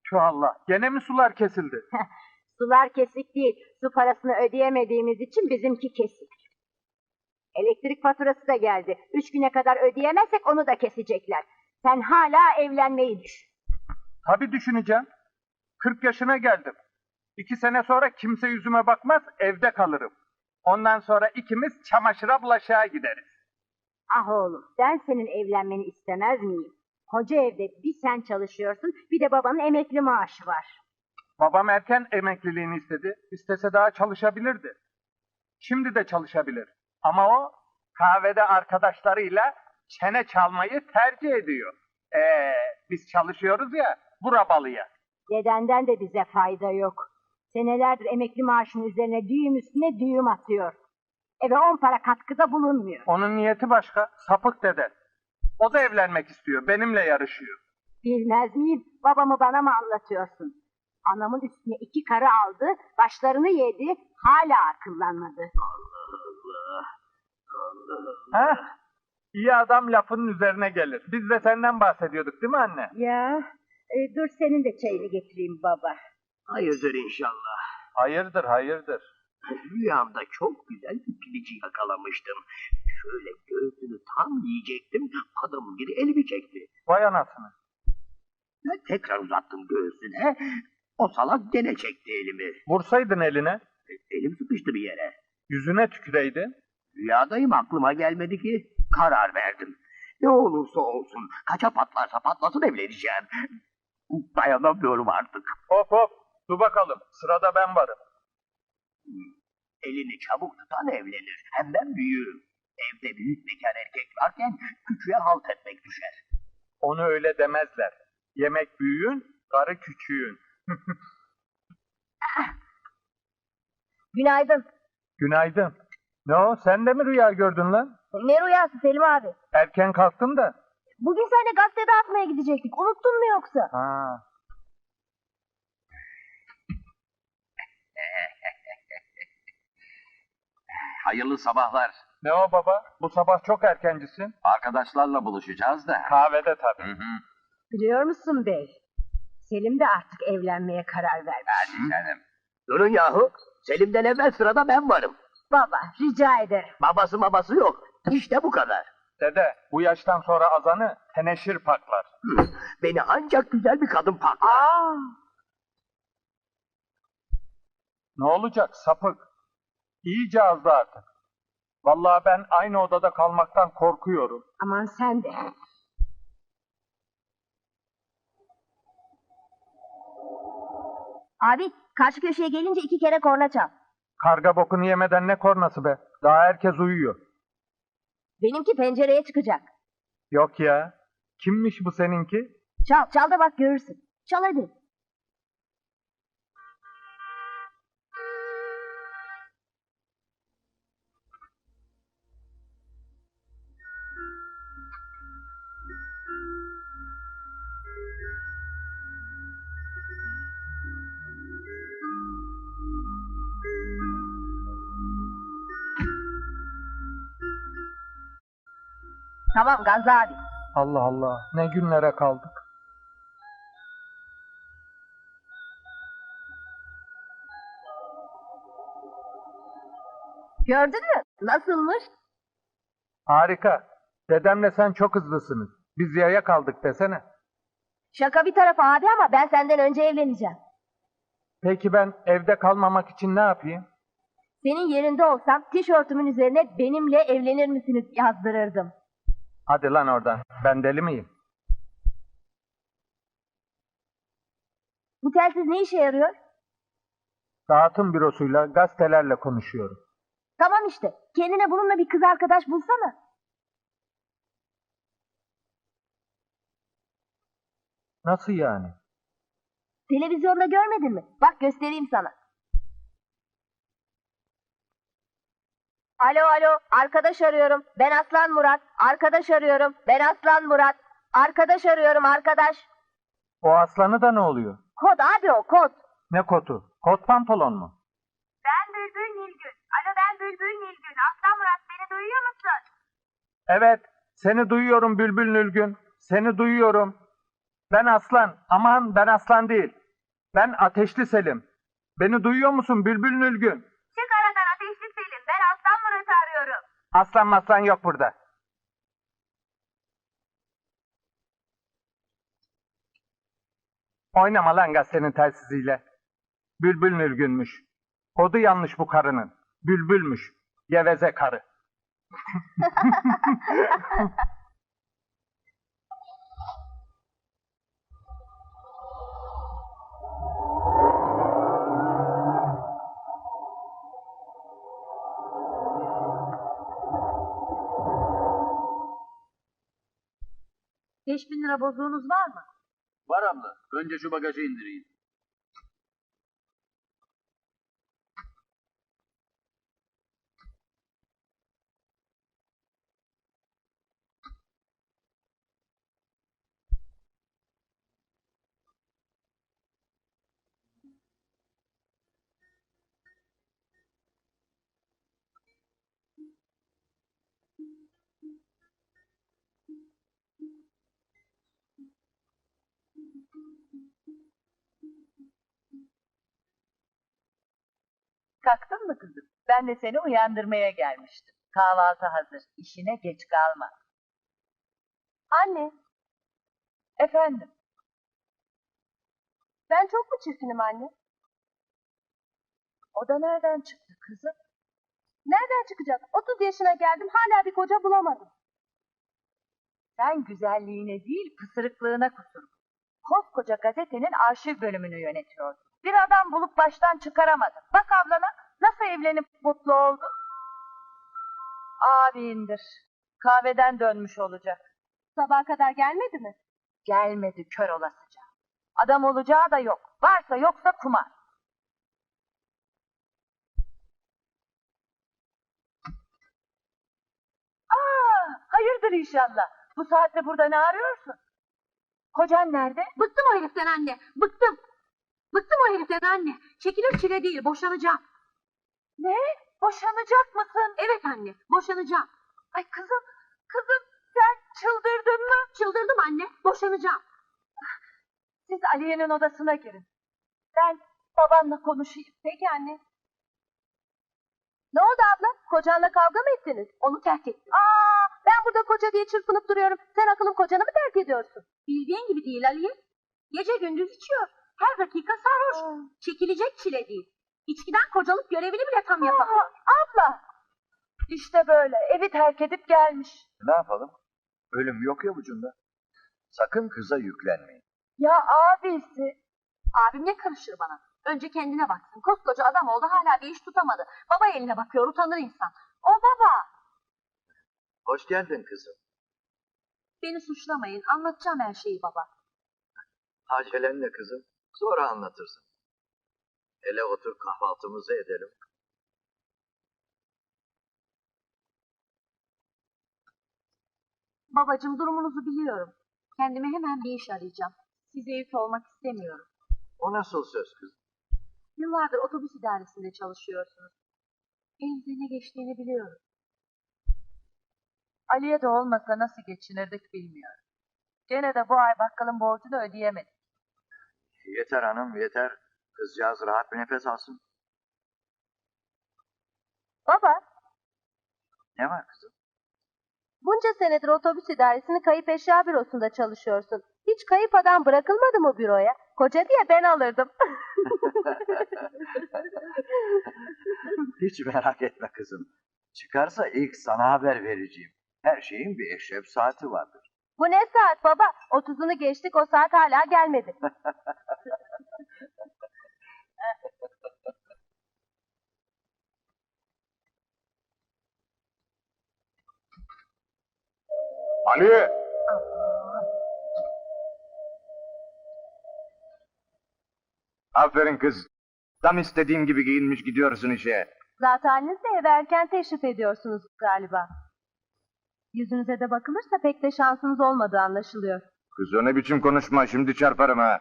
Şu Allah, gene mi sular kesildi? Sular kesik değil. Su parasını ödeyemediğimiz için bizimki kesik. Elektrik faturası da geldi. 3 güne kadar ödeyemezsek onu da kesecekler. Sen hala evlenmeyi düşün. Tabii düşüneceğim. 40 yaşına geldim. 2 sene sonra kimse yüzüme bakmaz, evde kalırım. Ondan sonra ikimiz çamaşıra bulaşığa gideriz. Ah oğlum, ben senin evlenmeni istemez miyim? Koca evde bir sen çalışıyorsun, bir de babanın emekli maaşı var. Babam erken emekliliğini istedi. İstese daha çalışabilirdi. Şimdi de çalışabilir. Ama o kahvede arkadaşlarıyla çene çalmayı tercih ediyor. Biz çalışıyoruz ya, burabalıya. Dedenden de bize fayda yok. Senelerdir emekli maaşının üzerine düğüm üstüne düğüm atıyor. Eve 10 para katkıda bulunmuyor. Onun niyeti başka, sapık dede. O da evlenmek istiyor, benimle yarışıyor. Bilmez miyim? Babamı bana mı anlatıyorsun? Anamın üstüne 2 karı aldı, başlarını yedi, hala akıllanmadı. Heh, iyi adam lafının üzerine gelir. Biz de senden bahsediyorduk değil mi anne? Ya, dur senin de çayını getireyim baba. Hayırdır inşallah. Hayırdır, hayırdır. Rüyamda çok güzel bir pilici yakalamıştım. Şöyle göğsünü tam yiyecektim, adamın biri elimi çekti. Vay anasını. Ben tekrar uzattım göğsüne, o salak gene çekti elimi. Vursaydın eline, Elim sıkıştı bir yere. yüzüne tüküreydin. Rüyadayım, aklıma gelmedi ki. Karar verdim. Ne olursa olsun, kaça patlarsa patlasın evleneceğim. Dayanamıyorum artık. Hop hop, dur bakalım, sırada ben varım. Elini çabuk tutan evlenir. Hem ben büyüğüm. Evde büyük bekar erkek varken küçüğe halt etmek düşer. Onu öyle demezler. Yemek büyüğün, karı küçüğün. Günaydın. Günaydın. Ne o, sen de mi rüya gördün lan? Ne rüyası Selim abi? Erken kalktın da. Bugün seninle gazete dağıtmaya gidecektik. Unuttun mu yoksa? Ha. Hayırlı sabahlar. Ne o baba? Bu sabah çok erkencisin. Arkadaşlarla buluşacağız da. Kahvede tabii. Biliyor musun bey? Selim de artık evlenmeye karar vermiş. Hadi canım. Durun yahu. Selim'den evvel sırada ben varım. Baba, rica ederim. Babası yok. İşte bu kadar. Dede, bu yaştan sonra azanı teneşir paklar. Beni ancak güzel bir kadın paklar. Ne olacak sapık? İyice azdı artık. Vallahi ben aynı odada kalmaktan korkuyorum. Aman sen de. Abi, karşı köşeye gelince 2 kere korna çal. Karga bokunu yemeden ne kornası be? Daha herkes uyuyor. Benimki pencereye çıkacak. Yok ya. Kimmiş bu seninki? Çal da bak görürsün. Çal hadi. Tamam Gazi abi. Allah Allah. Ne günlere kaldık. Gördün mü? Nasılmış? Harika. Dedemle sen çok hızlısınız. Biz yaya kaldık desene. Şaka bir tarafa abi ama ben senden önce evleneceğim. Peki ben evde kalmamak için ne yapayım? Senin yerinde olsam tişörtümün üzerine benimle evlenir misiniz yazdırırdım. Hadi lan oradan. Ben deli miyim? Bu telsiz ne işe yarıyor? Dağıtım bürosuyla gazetelerle konuşuyorum. Tamam işte. Kendine bununla bir kız arkadaş bulsana. Nasıl yani? Televizyonda görmedin mi? Bak göstereyim sana. Alo, arkadaş arıyorum. Ben Aslan Murat. Arkadaş arıyorum. Ben Aslan Murat. Arkadaş arıyorum, arkadaş. O aslanı da ne oluyor? Kod abi o, kod. Ne kotu? Kot pantolon mu? Ben Bülbül Nilgün. Alo ben Bülbül Nilgün. Aslan Murat beni duyuyor musun? Evet. Seni duyuyorum Bülbül Nülgün. Seni duyuyorum. Ben Aslan. Aman ben Aslan değil. Ben Ateşli Selim. Beni duyuyor musun Bülbül Nülgün? Çık aradan Ateşli Selim. Ben Aslan Murat'ı arıyorum. Aslan maslan yok burada. Oynama lan gazetenin telsiziyle. Bülbül Nülgünmüş. Kodu yanlış bu karının. Bülbülmüş. Geveze karı. Beş bin lira bozuğunuz var mı? Var abla. Önce şu bagajı indireyim. Kalktın mı kızım? Ben de seni uyandırmaya gelmiştim. Kahvaltı hazır. İşine geç kalma. Anne, Efendim? ben çok mu çirkinim anne? O da nereden çıktı kızım? Nereden çıkacak? 30 yaşına geldim hala bir koca bulamadım. Sen güzelliğine değil pısırıklığına kusur. Koskoca gazetenin arşiv bölümünü yönetiyordun. Bir adam bulup baştan çıkaramadın. Bak ablana nasıl evlenip mutlu oldu. Abindir. Kahveden dönmüş olacak. Sabaha kadar gelmedi mi? Gelmedi kör olasıca. Adam olacağı da yok. Varsa yoksa kumar. Hayırdır inşallah. Bu saatte burada ne arıyorsun? Kocan nerede? Bıktım o heriften anne, bıktım. Bıktım o heriften anne. Çekilir çile değil, boşanacağım. Ne? Boşanacak mısın? Evet anne, boşanacağım. Ay kızım, kızım sen çıldırdın mı? Çıldırdım anne, boşanacağım. Siz Aliye'nin odasına girin. Ben babanla konuşayım. Peki anne. Ne oldu abla? Kocanla kavga mı ettiniz? Onu terk ettim. Ben burada koca diye çırpınıp duruyorum. Sen akıllı kocanı mı terk ediyorsun? Bildiğin gibi değil Aliye. Gece gündüz içiyor. Her dakika sarhoş. Çekilecek çile değil. İçkiden kocalık görevini bile tam yapamıyor. Abla! İşte böyle evi terk edip gelmiş. Ne yapalım? Ölüm yok ya ucunda. Sakın kıza yüklenmeyin. Ya abisi. Abim ne karışır bana? Önce kendine baksın. Koskoca adam oldu hala bir iş tutamadı. Baba eline bakıyor utanır insan. O baba. Hoş geldin kızım. Beni suçlamayın. Anlatacağım her şeyi baba. Acelenle kızım. Sonra anlatırsın. Hele otur kahvaltımızı edelim. Babacığım durumunuzu biliyorum. Kendime hemen bir iş arayacağım. Size yük olmak istemiyorum. O nasıl söz kızım? Yıllardır otobüs idaresinde çalışıyorsunuz. Elinizde ne geçtiğini biliyorum. Aliye de olmasa nasıl geçinirdik bilmiyorum. Gene de bu ay bakkalın borcunu ödeyemedik. Yeter hanım yeter. Kızcağız rahat bir nefes alsın. Baba, Ne var kızım? bunca senedir otobüs idaresinin kayıp eşya bürosunda çalışıyorsun. Hiç kayıp adam bırakılmadı mı büroya? Koca diye ben alırdım. Hiç merak etme kızım. Çıkarsa ilk sana haber vereceğim. Her şeyin bir eşref saati vardır. Bu ne saat baba? 30'unu geçtik o saat hala gelmedi. Ali! Aferin kız. Tam istediğim gibi giyinmiş gidiyorsun işe. Zaten de eve erken teşrif ediyorsunuz galiba. Yüzünüze de bakılırsa pek de şansınız olmadığı anlaşılıyor. Kız o ne biçim konuşma, şimdi çarparım ha.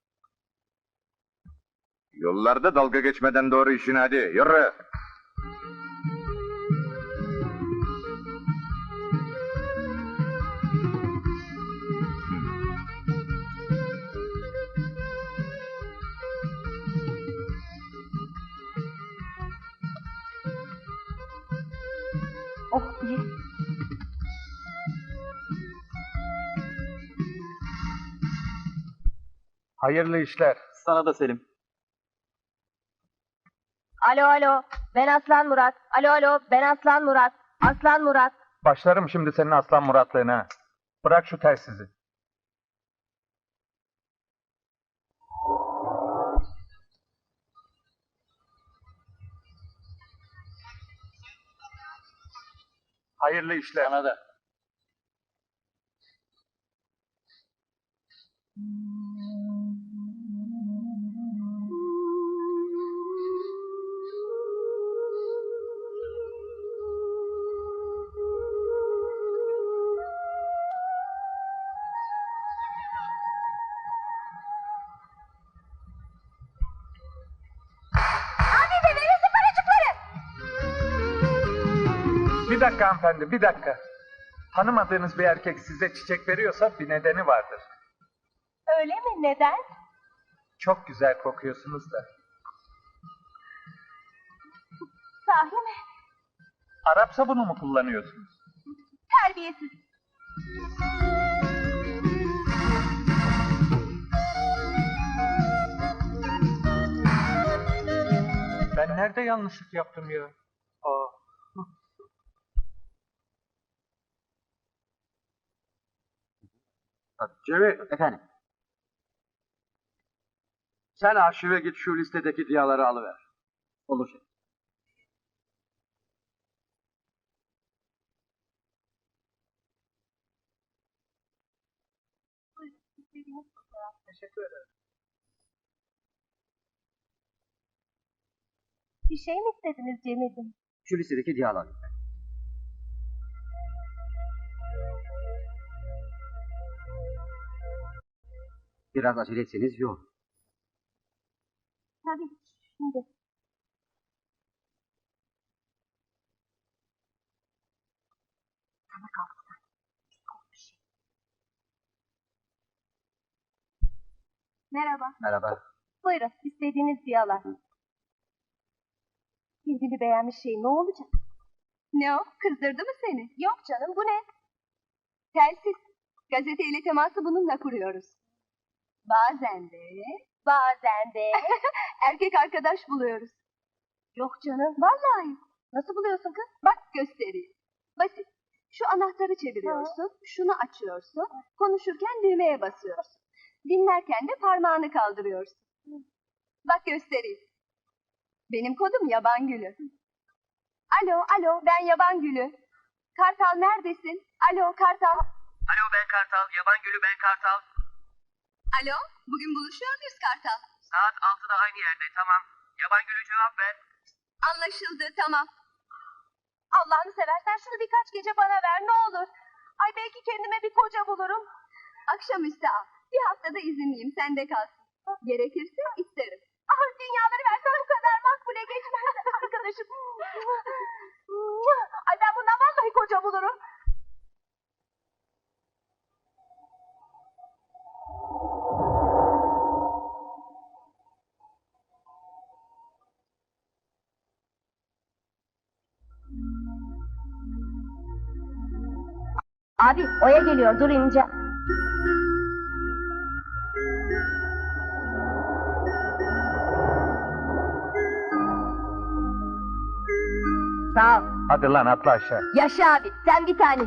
Yollarda dalga geçmeden doğru işine hadi, yürü. Ye. Hayırlı işler. Sana da Selim. Alo alo, ben Aslan Murat. Alo alo, ben Aslan Murat. Aslan Murat. Başlarım şimdi senin aslan Muratlığına. Bırak şu telsizi. Hayırlı işler. Sana da. Bir dakika hanımefendi, bir dakika. Tanımadığınız bir erkek size çiçek veriyorsa bir nedeni vardır. Öyle mi? Neden? Çok güzel kokuyorsunuz da. Sahi mi? Arap sabunu mu kullanıyorsunuz? Terbiyesiz. Ben nerede yanlışlık yaptım ya? Aa. Cemil, Efendim? sen arşive git şu listedeki diyaları alıver. Olur şey. Teşekkür ederim. Bir şey mi istediniz Cemil'im? Şu listedeki diyalar. Biraz acele etseniz iyi olur. Tabii şimdi. Sana kaldı. Merhaba. Merhaba. Buyurun istediğiniz diyalar. Kendini beğenmiş şey ne olacak? Ne o? Kızdırdı mı seni? Yok canım bu ne? Telsiz. Gazeteyle teması bununla kuruyoruz. Bazen de erkek arkadaş buluyoruz. Yok canım. Vallahi. Nasıl buluyorsun kız? Bak göstereyim. Basit. Şu anahtarı çeviriyorsun, şunu açıyorsun, konuşurken düğmeye basıyorsun. Dinlerken de parmağını kaldırıyorsun. Bak göstereyim. Benim kodum Yaban Gülü. Alo, ben Yaban Gülü. Kartal neredesin? Alo, Kartal. Alo ben Kartal, Yaban Gülü ben Kartal. Alo, bugün buluşuyor muyuz Kartal? Saat 6'da aynı yerde, tamam. Yaban Gülü cevap ver. Anlaşıldı, tamam. Allah'ını seversen şunu birkaç gece bana ver, ne olur. Ay belki kendime bir koca bulurum. Akşamüstü al. Bir haftada izinliyim, sende kalsın. Gerekirse isterim. Ah, dünyaları versen bu kadar makbule geçmez arkadaşım. Ay ben bundan vallahi koca bulurum. Abi Oya geliyor, dur ineceğim. Sağ ol. Hadi lan atla aşağı. Yaşa abi, sen bir tane.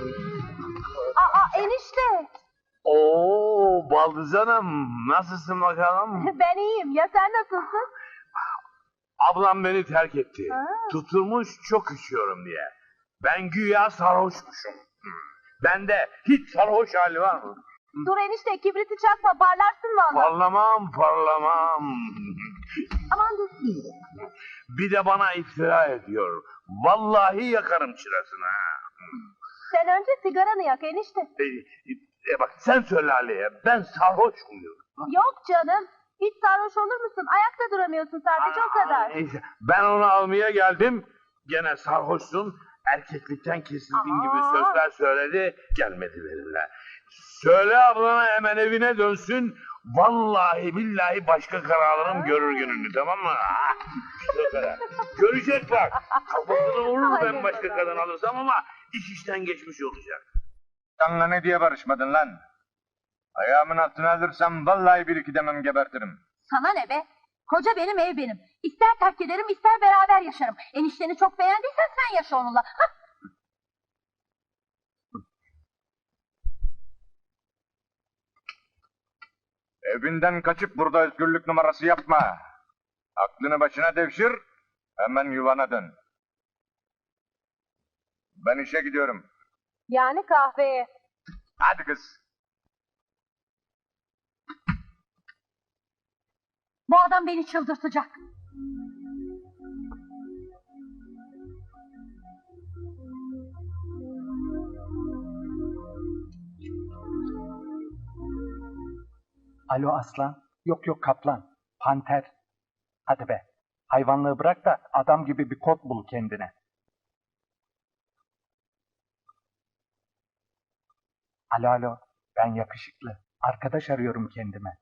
Aa enişte. Oo Baldız Hanım, nasılsın bakalım? Ben iyiyim. Ya sen nasılsın? Ablam beni terk etti. Ha. Tutulmuş çok içiyorum diye. Ben güya sarhoşmuşum. Bende hiç sarhoş hali var mı? Dur enişte kibriti çakma parlarsın valla. Parlamam. Aman dur. Bir de bana iftira ediyor. Vallahi yakarım çırasını ha. Sen önce sigaranı yak enişte. Bak sen söyle Ali'ye, ben sarhoş muyum? Yok canım. Hiç sarhoş olur musun? Ayakta duramıyorsun sadece o kadar. Neyse, ben onu almaya geldim. Gene sarhoşsun. Erkeklikten kesildin gibi sözler söyledi. Gelmedi benimle. Söyle ablana hemen evine dönsün. Vallahi billahi başka kararlarım görür gününü, tamam mı? İşte o kadar. Görecek bak. Kafasını vurur ben başka kadın alırsam ama iş işten geçmiş olacak. Senle ne diye barışmadın lan? Ayağımın altına alırsam vallahi bir iki demem gebertirim. Sana ne be? Koca benim, ev benim. İster terk ederim, ister beraber yaşarım. Enişteni çok beğendiysen sen yaşa onunla. Hah. Evinden kaçıp burada özgürlük numarası yapma. Aklını başına devşir, hemen yuvana dön. Ben işe gidiyorum. Yani kahveye. Hadi kız. Bu adam beni çıldırtacak. Alo aslan. Yok kaplan. Panter. Hadi be. Hayvanlığı bırak da adam gibi bir kod bul kendine. Alo. Ben yakışıklı. Arkadaş arıyorum kendime.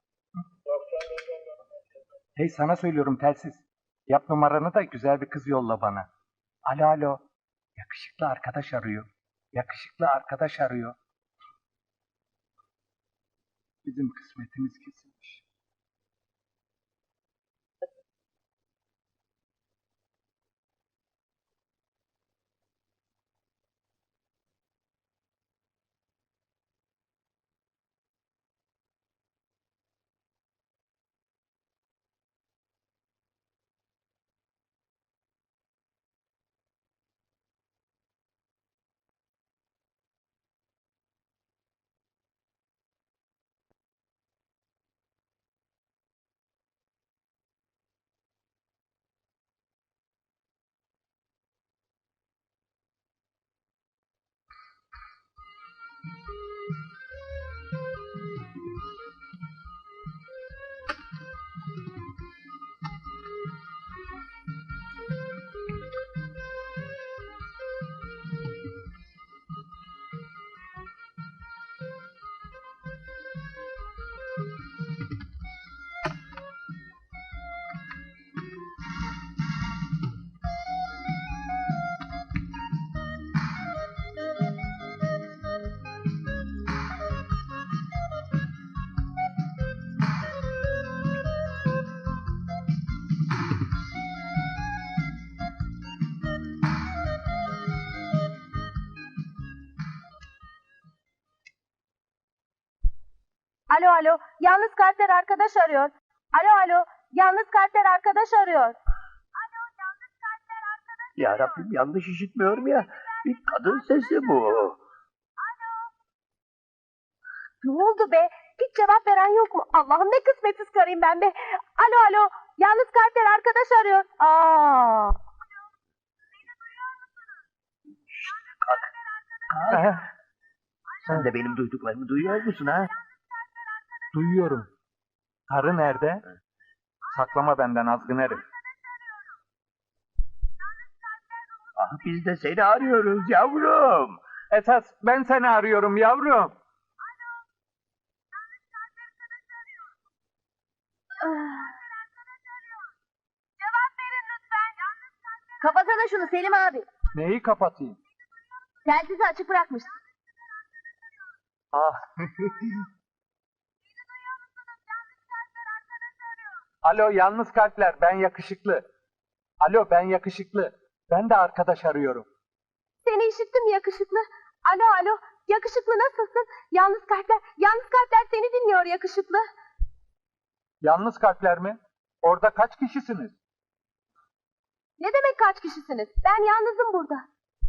Hey sana söylüyorum telsiz. Yap numaranı da güzel bir kız yolla bana. Alo. Yakışıklı arkadaş arıyor. Yakışıklı arkadaş arıyor. Bizim kısmetimiz kesilmiş. Alo. Yalnız kalpler arkadaş arıyor. Alo. Yalnız kalpler arkadaş arıyor. Ya Rabbim yanlış işitmiyorum ya. Bir kadın sesi bu. Ne oldu be? Hiç cevap veren yok mu? Allah'ım ne kısmetsiz karıyım ben be. Alo. Yalnız kalpler arkadaş arıyor. Aa. Sen de benim duyduklarımı duyuyor musun ha? Duyuyorum. Karı nerede? Saklama benden azgın herif. Ah biz de seni arıyoruz yavrum. Esas ben seni arıyorum yavrum. Kapatsana şunu Selim abi. Neyi kapatayım? Telsizi açık bırakmışsın. Ah. Alo yalnız kalpler ben yakışıklı. Alo ben yakışıklı. Ben de arkadaş arıyorum. Seni işittim yakışıklı. Alo alo, yakışıklı nasılsın? Yalnız kalpler seni dinliyor yakışıklı. Yalnız kalpler mi? Orada kaç kişisiniz? Ne demek kaç kişisiniz? Ben yalnızım burada.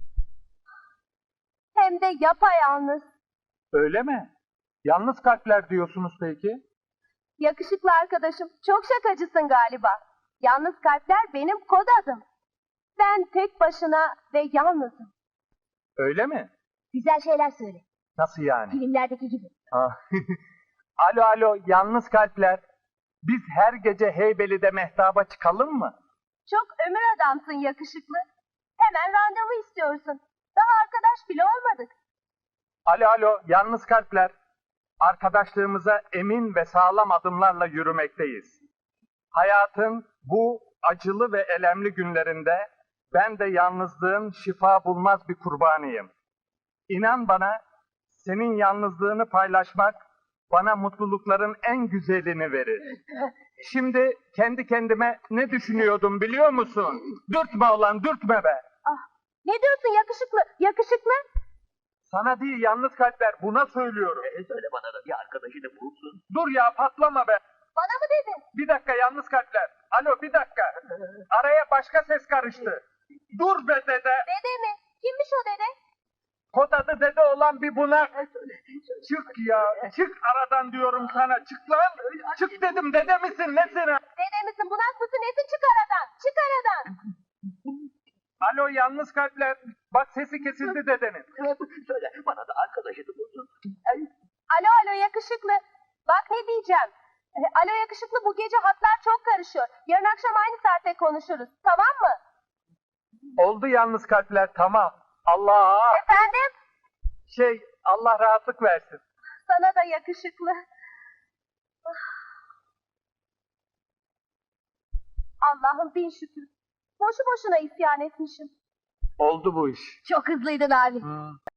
Hem de yapayalnız. Öyle mi? Yalnız kalpler diyorsunuz peki? Yakışıklı arkadaşım, çok şakacısın galiba. Yalnız kalpler benim kod adım. Sen tek başına ve yalnızım. Öyle mi? Güzel şeyler söyle. Nasıl yani? Filmlerdeki gibi. Ha. Alo yalnız kalpler. Biz her gece Heybeli'de mehtaba çıkalım mı? Çok ömür adamsın yakışıklı. Hemen randevu istiyorsun. Daha arkadaş bile olmadık. Alo yalnız kalpler. Arkadaşlığımıza emin ve sağlam adımlarla yürümekteyiz. Hayatın bu acılı ve elemli günlerinde ben de yalnızlığın şifa bulmaz bir kurbanıyım. İnan bana, senin yalnızlığını paylaşmak bana mutlulukların en güzelini verir. Şimdi kendi kendime ne düşünüyordum biliyor musun? Dürtme ulan, dürtme be! Ne diyorsun yakışıklı? Yakışıklı? Sana değil yalnız kalpler, buna söylüyorum. Söyle bana da bir arkadaşını bulsun. Dur ya, patlama be! Bana mı dedin? Bir dakika yalnız kalpler. Alo, bir dakika. Araya başka ses karıştı. Dur be dede! Dede mi? Kimmiş o dede? Kod adı dede olan bir bunak. Çık ya, çık aradan diyorum sana. Çık lan! Çık dedim, dede misin, nesin ha? Dede misin, bunak mısın, nesin? Çık aradan, çık aradan. Alo yalnız kalpler. Bak sesi kesildi dedenin. Söyle bana da arkadaşını bulsun. Alo yakışıklı. Bak ne diyeceğim. Alo yakışıklı, bu gece hatlar çok karışıyor. Yarın akşam aynı saatte konuşuruz. Tamam mı? Oldu yalnız kalpler, tamam. Allah! Efendim? Allah rahatlık versin. Sana da yakışıklı. Allah'ım bin şükür. Boşu boşuna isyan etmişim. Oldu bu iş. Çok hızlıydın abi.